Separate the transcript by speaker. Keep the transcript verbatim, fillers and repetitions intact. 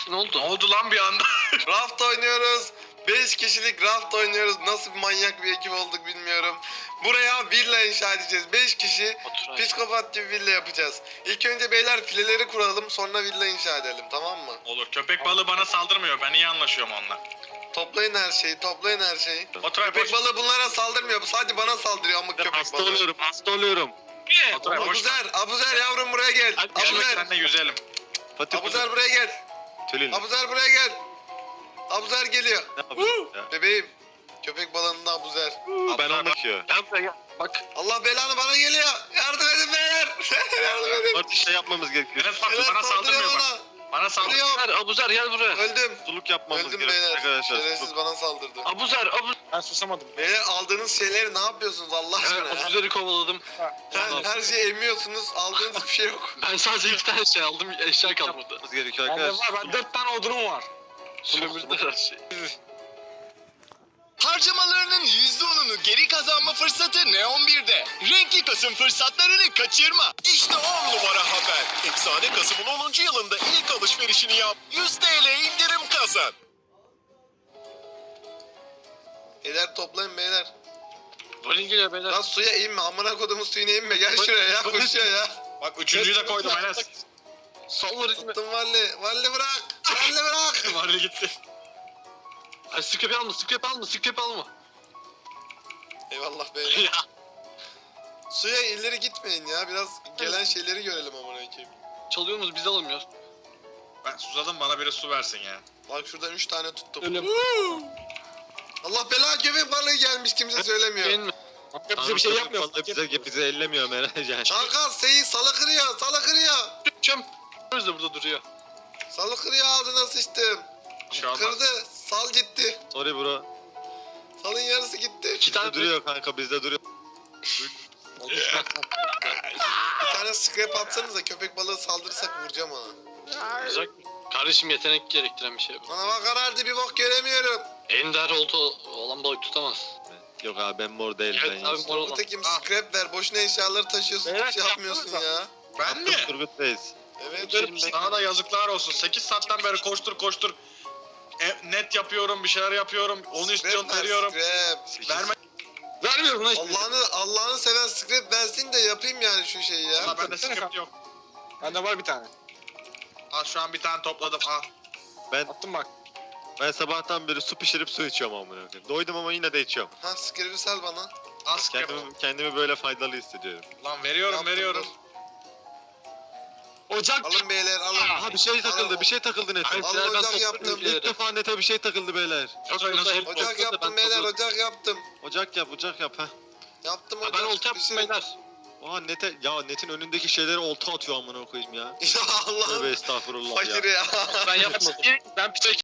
Speaker 1: Ne oldu?
Speaker 2: Ne oldu lan bir anda?
Speaker 3: Raft oynuyoruz. beş kişilik raft oynuyoruz. Nasıl bir manyak bir ekip olduk bilmiyorum. Buraya villa inşa edeceğiz. beş kişi
Speaker 1: Otur.
Speaker 3: psikopat gibi villa yapacağız. İlk önce beyler fileleri kuralım, sonra villa inşa edelim, tamam mı?
Speaker 2: Olur, köpek balığı bana saldırmıyor. Ben iyi anlaşıyorum onunla.
Speaker 3: Toplayın her şeyi, toplayın her şeyi.
Speaker 2: Oturay
Speaker 3: Köpek
Speaker 2: boş.
Speaker 3: balığı bunlara saldırmıyor. Sadece bana saldırıyor amık köpek
Speaker 4: Hasta
Speaker 3: balığı.
Speaker 4: oluyorum, hasta oluyorum.
Speaker 2: Oturay boş.
Speaker 3: Abuzer, Abuzer yavrum buraya gel.
Speaker 2: Hadi gelmek
Speaker 3: Abuzer,
Speaker 2: seninle yüzelim.
Speaker 4: Fatih
Speaker 3: Abuzer buraya gel.
Speaker 4: Tülin.
Speaker 3: Abuzer buraya gel. Abuzer geliyor.
Speaker 4: Ne yapıyorsun ya?
Speaker 3: Bebeğim. Köpek balığında Abuzer.
Speaker 4: Ben onu bakıyor.
Speaker 1: Gel buraya gel. Bak.
Speaker 3: Allah belanı bana geliyor. Yardım edin beyler. Yardım edin.
Speaker 4: Artık şey yapmamız gerekiyor.
Speaker 2: Enes bak
Speaker 3: Beyler
Speaker 2: bana saldırmıyor
Speaker 3: saldırıyor
Speaker 2: bak. Bana saldırıyor.
Speaker 3: Ölüyorum.
Speaker 1: Abuzer, Abuzer gel buraya.
Speaker 3: Öldüm.
Speaker 4: Suluk yapmamız
Speaker 3: Öldüm
Speaker 4: gerekiyor
Speaker 3: beyler.
Speaker 4: arkadaşlar.
Speaker 3: Şerefsiz
Speaker 4: Suluk.
Speaker 3: bana saldırdı.
Speaker 1: Abuzer, Abuzer.
Speaker 5: Ben susamadım.
Speaker 3: Beyler aldığınız şeyleri ne yapıyorsunuz Allah aşkına
Speaker 1: Evet,
Speaker 3: ya?
Speaker 1: Abuzer'i kovaladım.
Speaker 3: Her, her şeyi emiyorsunuz. Aldığınız bir şey yok.
Speaker 1: Ben sadece iki tane şey aldım, eşya kalmadı.
Speaker 4: Yapmamız gerekiyor
Speaker 5: Bende
Speaker 4: arkadaşlar.
Speaker 5: var, ben dört tane odunum var.
Speaker 1: Sömürdüler her şeyi.
Speaker 6: Harcamalarının yüzde onunu geri kazanma fırsatı Neon birde. Renkli Kasım fırsatlarını kaçırma. İşte on numara haber. Efsane Kasım'ın onuncu yılında ilk alışverişini yap. yüz TL indirim kazan.
Speaker 3: Beyler toplayın beyler.
Speaker 1: Böyle geliyor beyler.
Speaker 3: Lan suya inme. Amına kodumun suyuna inme. Gel şuraya ya. Koşuyor ya.
Speaker 2: Bak üçüncüyü de koydum Enes.
Speaker 1: Sallar içime.
Speaker 3: Tuttum Valli. Valli bırak. Valli bırak.
Speaker 2: Varlı gitti.
Speaker 1: Ay sıkıp alma, sıkıp alma, sıkıp alma.
Speaker 3: Eyvallah beyler.
Speaker 1: Ya.
Speaker 3: Suya ileri gitmeyin ya. Biraz gelen şeyleri görelim amına koyayım.
Speaker 1: Çalıyorsunuz biz alamıyoruz.
Speaker 2: Ben susadım, bana biri su versin ya.
Speaker 3: Bak şuradan üç tane tuttum.
Speaker 5: Ölüm.
Speaker 3: Allah bela köpek balığı gelmiş kimse söylemiyor.
Speaker 1: Beğen mi?
Speaker 5: Bize bir şey yapmıyor.
Speaker 4: Vallahi bize, bize ellemiyor merak yani.
Speaker 3: Kanka Seyit salı kırıyor. Salı kırıyor.
Speaker 1: Çöm. Biz de burada duruyor.
Speaker 3: Salı kırıyor ağzına sıçtım.
Speaker 2: Bir şey olmaz.
Speaker 3: Kırdı. Sal gitti.
Speaker 4: Sorry bro.
Speaker 3: Salın yarısı gitti.
Speaker 1: İki tane
Speaker 4: Bizde duruyor kanka, bizde duruyor.
Speaker 3: Bir tane scrap atsanız da köpek balığı saldırırsak vuracağım ona.
Speaker 1: Olacak. Kardeşim yetenek gerektiren bir şey bu.
Speaker 3: Bana bak karardı bir bok göremiyorum.
Speaker 1: Ender olta olan balık tutamaz.
Speaker 4: Yok abi ben mor değilim
Speaker 1: Evet
Speaker 4: ben.
Speaker 1: abi,
Speaker 4: Abi,
Speaker 1: mor olan.
Speaker 3: Bu tekim
Speaker 2: Ah.
Speaker 3: scrap ver. Boşuna eşyaları taşıyorsun.
Speaker 5: Beyler,
Speaker 3: Hiç şey yapmıyorsun
Speaker 5: yapsanıza.
Speaker 3: ya.
Speaker 2: Ben mi?
Speaker 4: Turgut'tayız.
Speaker 3: Evet.
Speaker 1: Benim de-
Speaker 2: Sana da yazıklar olsun. sekiz saatten beri koştur koştur. E, net yapıyorum, bir şeyler yapıyorum. Onu istiyorsun,
Speaker 3: Scrap ver,
Speaker 2: veriyorum.
Speaker 3: scrap.
Speaker 2: Verme.
Speaker 1: Vermiyorum lan hiçbir şey.
Speaker 3: Allah'ını Allah'ını seven scrap versin de yapayım yani şu şeyi ya.
Speaker 2: Valla bende script yok.
Speaker 5: Bende var bir tane.
Speaker 2: Al şu an bir tane topladım. Al.
Speaker 4: Ben
Speaker 5: Attım bak.
Speaker 4: ben sabahtan beri su pişirip su içiyorum amına koyayım. Doydum ama yine de içiyorum.
Speaker 3: Ha scrap'i sal bana.
Speaker 2: Al script.
Speaker 4: Kendimi, kendimi böyle faydalı hissediyorum.
Speaker 2: Lan veriyorum,
Speaker 3: Yaptım,
Speaker 2: veriyorum.
Speaker 3: dur.
Speaker 5: Ocak.
Speaker 3: Alın beyler alın.
Speaker 4: Aha bir şey takıldı,
Speaker 3: Alın.
Speaker 4: bir şey takıldı nete.
Speaker 1: Hayır,
Speaker 3: Alın
Speaker 1: ben
Speaker 3: ocak
Speaker 1: topladım
Speaker 3: yaptım.
Speaker 1: bir yere.
Speaker 4: İlk defa nete bir şey takıldı beyler.
Speaker 2: Oturay nasıl?
Speaker 1: Hep
Speaker 3: Ocak
Speaker 1: olsa da
Speaker 3: yaptım
Speaker 1: ben
Speaker 3: beyler
Speaker 1: topladım.
Speaker 3: ocak yaptım.
Speaker 4: Ocak yap, ocak yap ha.
Speaker 3: Yaptım
Speaker 1: Ha,
Speaker 3: ocak.
Speaker 1: ben olta yaptım
Speaker 3: Pişirin.
Speaker 1: beyler.
Speaker 4: Oha nete, ya netin önündeki şeyleri olta atıyor amına koyayım ya.
Speaker 3: Ya
Speaker 4: Tövbe
Speaker 3: Allah'ım.
Speaker 4: estağfurullah ya.
Speaker 3: Fakir ya.
Speaker 1: Ben yapmadım. Ben pişek